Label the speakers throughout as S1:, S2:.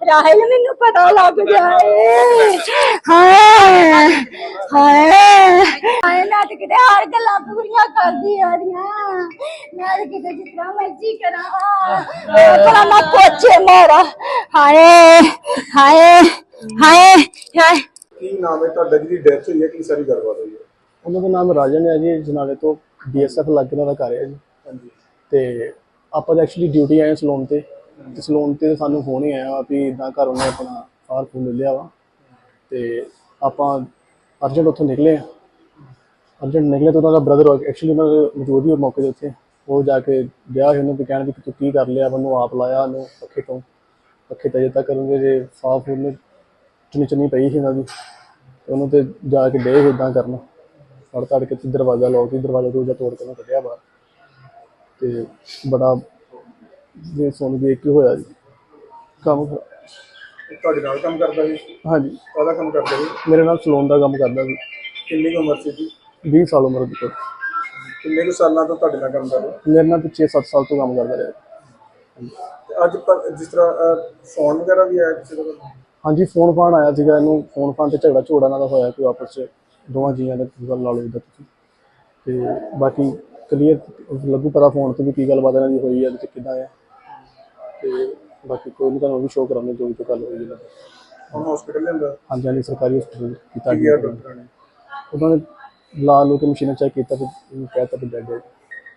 S1: ਚਾਹੇ ਮੈਨੂੰ ਪਤਾ ਲੱਗ ਜਾਏ। ਹਾਏ ਹਾਏ ਹਾਏ ਮੈਂ ਤੇ ਕਿਤੇ ਹਰ ਗੱਲਾਂ ਪੂਰੀਆਂ ਕਰਦੀ ਆ ਰਹੀਆਂ। ਮੈਂ ਤੇ ਕਿਤੇ ਜਿਸ ਤਰ੍ਹਾਂ ਮਰਜ਼ੀ ਕਰਾਂ ਪਰ ਮੈਂ ਪੋਚੇ ਮਾਰਾ। ਹਾਏ ਹਾਏ ਹਾਏ ਹਾਏ।
S2: ਕੀ ਨਾਮ ਹੈ ਤੁਹਾਡਾ ਜਿਹਦੀ ਡੈਥ ਹੋਈ ਹੈ, ਕੀ ਸਾਰੀ ਗੱਲਬਾਤ ਹੋਈ ਹੈ?
S3: ਉਹਨਾਂ ਦਾ ਨਾਮ ਰਾਜਨ ਹੈ ਜੀ, ਜਨਾਲੇ ਤੋਂ BSF ਲੱਗ ਉਹਨਾਂ ਦਾ ਘਰ ਹੈ ਜੀ।
S2: ਹਾਂਜੀ।
S3: ਤੇ ਆਪਾਂ ਤਾਂ ਐਕਚੁਅਲੀ ਡਿਊਟੀ ਆਏ ਸਲੂਨ ਤੇ ਸਲੂਨ ਤੇ ਸਾਨੂੰ ਫੋਨ ਹੀ ਆਇਆ ਵਾ ਵੀ ਇੱਦਾਂ ਘਰ ਉਹਨੇ ਆਪਣਾ ਫਾਰ ਫੂਨ ਲੈ ਲਿਆ ਵਾ। ਤੇ ਆਪਾਂ ਅਰਜੈਂਟ ਉੱਥੋਂ ਨਿਕਲੇ ਤਾਂ ਉਹਨਾਂ ਦਾ ਬ੍ਰਦਰ ਐਕਚੁਅਲੀ ਉਹਨਾਂ ਦੇ ਮੌਜੂਦ ਹੀ ਮੌਕੇ ਦੇ ਉੱਤੇ। ਉਹ ਜਾ ਕੇ ਗਿਆ ਸੀ ਉਹਨੂੰ ਵੀ ਕਹਿਣ ਵੀ ਤੂੰ ਕੀ ਕਰ ਲਿਆ, ਉਹਨੂੰ ਆਪ ਲਾਇਆ ਉਹਨੂੰ ਪੱਖੇ ਤੇ ਅਜੇ ਤੱਕ ਉਹਦੇ ਜੇ ਸਾਫ ਉਹਨੇ ਚੁੰਨੀ ਪਈ ਸੀ ਉਹਨਾਂ ਦੀ। ਉਹਨੂੰ ਤੇ ਜਾ ਕੇ ਡੇ ਇੱਦਾਂ ਕਰਨ ਫੜ ਤੜ ਕੇ ਦਰਵਾਜ਼ਾ ਲੋਕ ਦਰਵਾਜ਼ਾ ਦੂਜਾ ਤੋੜ ਕੇ ਉਹਨੂੰ ਕੱਢਿਆ ਬਾਹਰ। ਤੇ ਬੜਾ ਜੇ ਸੁਣ ਦੇਖ ਕੇ ਹੋਇਆ ਜੀ ਕੰਮ।
S2: ਤੁਹਾਡੇ ਨਾਲ ਕੰਮ ਕਰਦਾ ਸੀ?
S3: ਹਾਂਜੀ।
S2: ਕਾਹਦਾ ਕੰਮ ਕਰਦਾ ਸੀ?
S3: ਮੇਰੇ ਨਾਲ ਸਲੂਨ ਦਾ ਕੰਮ ਕਰਦਾ ਸੀ।
S2: ਕਿੰਨੀ ਕੁ ਉਮਰ ਸੀ ਜੀ?
S3: 20 ਸਾਲ ਉਮਰ ਦੀ।
S2: ਕਿੰਨੇ ਕੁ ਸਾਲਾਂ ਤੋਂ ਤੁਹਾਡੇ ਨਾਲ ਕੰਮ ਕਰ ਰਿਹਾ?
S3: ਮੇਰੇ ਨਾਲ ਪਿੱਛੇ 7 ਸਾਲ ਤੋਂ ਕੰਮ ਕਰਦਾ ਰਿਹਾ।
S2: ਤੇ ਅੱਜ ਜਿਸ ਤਰ੍ਹਾਂ ਫੋਨ ਵਗੈਰਾ ਵੀ ਆਇਆ ਕਿਸੇ ਦਾ?
S3: ਹਾਂਜੀ, ਫੋਨ ਫਾਨ ਆਇਆ ਸੀਗਾ ਇਹਨੂੰ। ਫੋਨ ਤੇ ਝਗੜਾ ਇਹਨਾਂ ਦਾ ਹੋਇਆ ਕੋਈ ਆਪਸ 'ਚ ਦੋਵਾਂ ਜੀਆਂ ਨੇ ਗੱਲ ਲਾ ਲਓ ਜਿੱਦਾਂ ਤੁਸੀਂ। ਤੇ ਬਾਕੀ ਕਲੀਅਰ ਲੱਗੂ ਪਤਾ ਫੋਨ 'ਤੇ ਵੀ ਕੀ ਗੱਲਬਾਤ ਇਹਨਾਂ ਦੀ ਹੋਈ ਹੈ ਅਤੇ ਕਿੱਦਾਂ ਹੈ। ਤੇ ਬਾਕੀ ਕੋਈ ਨਹੀਂ, ਤੁਹਾਨੂੰ ਵੀ ਸ਼ੋਅ ਕਰਾਂਗੇ ਜੋ ਵੀ ਗੱਲ ਹੋਈ ਹੈ।
S2: ਹੁਣ ਹਸਪੀਟਲ ਲੈਂਦਾ?
S3: ਹਾਂਜੀ ਹਾਂਜੀ, ਸਰਕਾਰੀ ਹਸਪਤਾਲ ਕੀਤਾ
S2: ਗਿਆ ਡਾਕਟਰਾਂ ਨੇ?
S3: ਉਹਨਾਂ ਨੇ ਲਾ ਲਓ ਕਿ ਮਸ਼ੀਨਾਂ ਚੈੱਕ ਕੀਤਾ ਤੇ ਕਹਿ ਤਾ ਵੀ ਡੈਡ ਹੈ।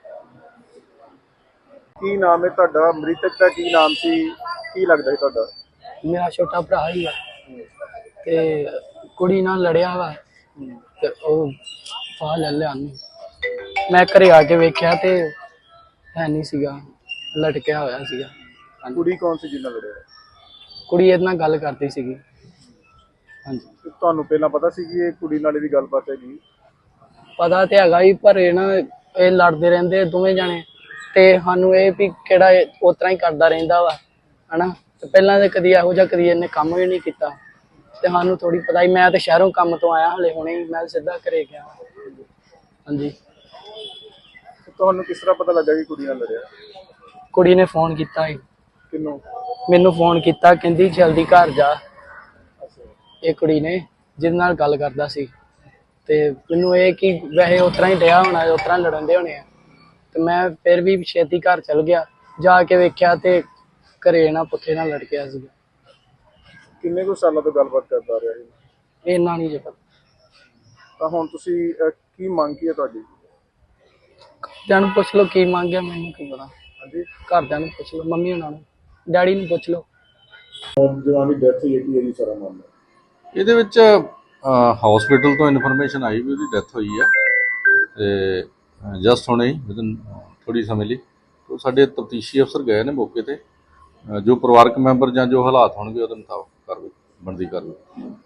S2: ਕੀ ਨਾਮ ਹੈ ਤੁਹਾਡਾ? ਮ੍ਰਿਤਕ ਦਾ ਕੀ ਨਾਮ ਸੀ? ਕੀ ਲੱਗਦਾ ਸੀ ਤੁਹਾਡਾ?
S4: ਮੇਰਾ ਛੋਟਾ ਭਰਾ ਹੀ ਆ ਤੇ ਕੁੜੀ ਨਾਲ ਲੜਿਆ ਵਾ ਤੇ ਉਹ ਫਾਹ ਲੈ ਲਿਆ ਉਹਨੇ। ਮੈਂ ਘਰੇ ਆ ਕੇ ਵੇਖਿਆ ਤੇ ਹੈ ਨਹੀਂ ਸੀਗਾ, ਲਟਕਿਆ ਹੋਇਆ ਸੀਗਾ।
S2: ਕੁੜੀ ਕੌਣ ਸੀ ਜਿਹਨਾਂ ਲੜਿਆ?
S4: ਕੁੜੀ ਇਹਦੇ ਨਾਲ ਗੱਲ ਕਰਦੀ ਸੀਗੀ। ਹਾਂਜੀ।
S2: ਤੁਹਾਨੂੰ ਪਹਿਲਾਂ ਪਤਾ ਸੀ ਕਿ ਇਹ ਕੁੜੀ ਨਾਲ ਇਹਦੀ ਗੱਲਬਾਤ ਹੈਗੀ?
S4: ਪਤਾ ਤੇ ਹੈਗਾ ਹੀ, ਪਰ ਇਹ ਲੜਦੇ ਰਹਿੰਦੇ ਦੋਵੇਂ ਜਾਣੇ ਤੇ ਸਾਨੂੰ ਇਹ ਵੀ ਕਿਹੜਾ ਉਸ ਤਰ੍ਹਾਂ ਹੀ ਕਰਦਾ ਰਹਿੰਦਾ ਵਾ ਹਨਾ। ਤੇ ਪਹਿਲਾਂ ਤੇ ਕਦੀ ਇਹੋ ਜਿਹਾ ਕਦੀ ਇਹਨੇ ਕੰਮ ਵੀ ਨਹੀਂ ਕੀਤਾ ਤੇ ਸਾਨੂੰ ਥੋੜੀ ਪਤਾ ਹੀ। ਮੈਂ ਤੇ ਸ਼ਹਿਰੋਂ ਕੰਮ ਤੋਂ ਆਇਆ ਹਲੇ ਹੁਣੇ ਹੀ, ਮੈਂ ਸਿੱਧਾ ਘਰੇ ਗਿਆ। ਹਾਂਜੀ।
S2: ਤੁਹਾਨੂੰ ਕਿਸ ਤਰ੍ਹਾਂ ਪਤਾ ਲੱਗਾ ਕਿ ਕੁੜੀ ਨਾਲ ਲੜਿਆ?
S4: ਕੁੜੀ ਨੇ ਫੋਨ ਕੀਤਾ ਸੀ
S2: ਕਿਹਨੂੰ?
S4: ਮੈਨੂੰ ਫੋਨ ਕੀਤਾ, ਕਹਿੰਦੀ ਜਲਦੀ ਘਰ ਜਾ। ਇਹ ਕੁੜੀ ਨੇ ਜਿਹਦੇ ਨਾਲ ਗੱਲ ਕਰਦਾ ਸੀ ਤੇ ਮੈਨੂੰ ਇਹ ਕਿ ਵੈਸੇ ਉਸ ਤਰ੍ਹਾਂ ਹੀ ਡਿਆ ਹੋਣਾ, ਉਸ ਤਰ੍ਹਾਂ ਲੜਨ ਦੇ ਹੋਣੇ ਆ। ਤੇ ਮੈਂ ਫਿਰ ਵੀ ਛੇਤੀ ਘਰ ਚਲ ਗਿਆ, ਜਾ ਕੇ ਵੇਖਿਆ ਤੇ ਘਰੇ ਨਾ ਪੁੱਠੇ ਨਾਲ ਲੜ ਗਿਆ ਸੀਗਾ।
S2: ਕਿੰਨੇ ਕੁ ਸਾਲਾਂ ਤੋਂ ਗੱਲਬਾਤ ਕਰਦਾ ਰਿਹਾ ਸੀ?
S4: ਇੰਨਾ ਨਹੀਂ ਜੇ ਪਤਾ।
S2: ਤਾਂ ਹੁਣ ਤੁਸੀਂ ਕੀ ਮੰਗ ਕੀ ਹੈ ਤੁਹਾਡੀ?
S4: ਘਰਦਿਆਂ ਨੂੰ ਪੁੱਛ ਲਓ ਕੀ ਮੰਗਿਆ, ਮੈਨੂੰ ਕੀ ਪਤਾ।
S2: ਹਾਂਜੀ।
S4: ਘਰਦਿਆਂ ਨੂੰ ਪੁੱਛ ਲਓ, ਮੰਮੀ ਉਹਨਾਂ ਨੂੰ, ਡੈਡੀ ਨੂੰ ਪੁੱਛ ਲਓ।
S2: ਜਵਾਨੀ ਡੈਥ ਹੋਈ ਹੈ, ਕੀ ਇਹਦੀ ਸਾਰਾ ਮਾਮਲਾ?
S5: ਇਹਦੇ ਵਿੱਚ ਹਸਪੀਟਲ ਤੋਂ ਇਨਫੋਰਮੇਸ਼ਨ ਆਈ ਵੀ ਉਹਦੀ ਡੈਥ ਹੋਈ ਆ ਤੇ ਜਸਟ ਹੁਣੇ ਹੀ ਵਿਦਨ ਥੋੜ੍ਹੀ ਸਮੇਂ ਲਈ ਤੋਂ ਸਾਡੇ ਤਫਤੀਸ਼ੀ ਅਫਸਰ ਗਏ ਨੇ ਮੌਕੇ ਤੇ। ਜੋ ਪਰਿਵਾਰਕ ਮੈਂਬਰ ਜਾਂ ਜੋ ਹਾਲਾਤ ਹੋਣਗੇ ਉਹਦੇ ਮੁਤਾਬਕ ਕਾਰਵਾਈ ਬਣਦੀ ਕਾਰਵਾਈ।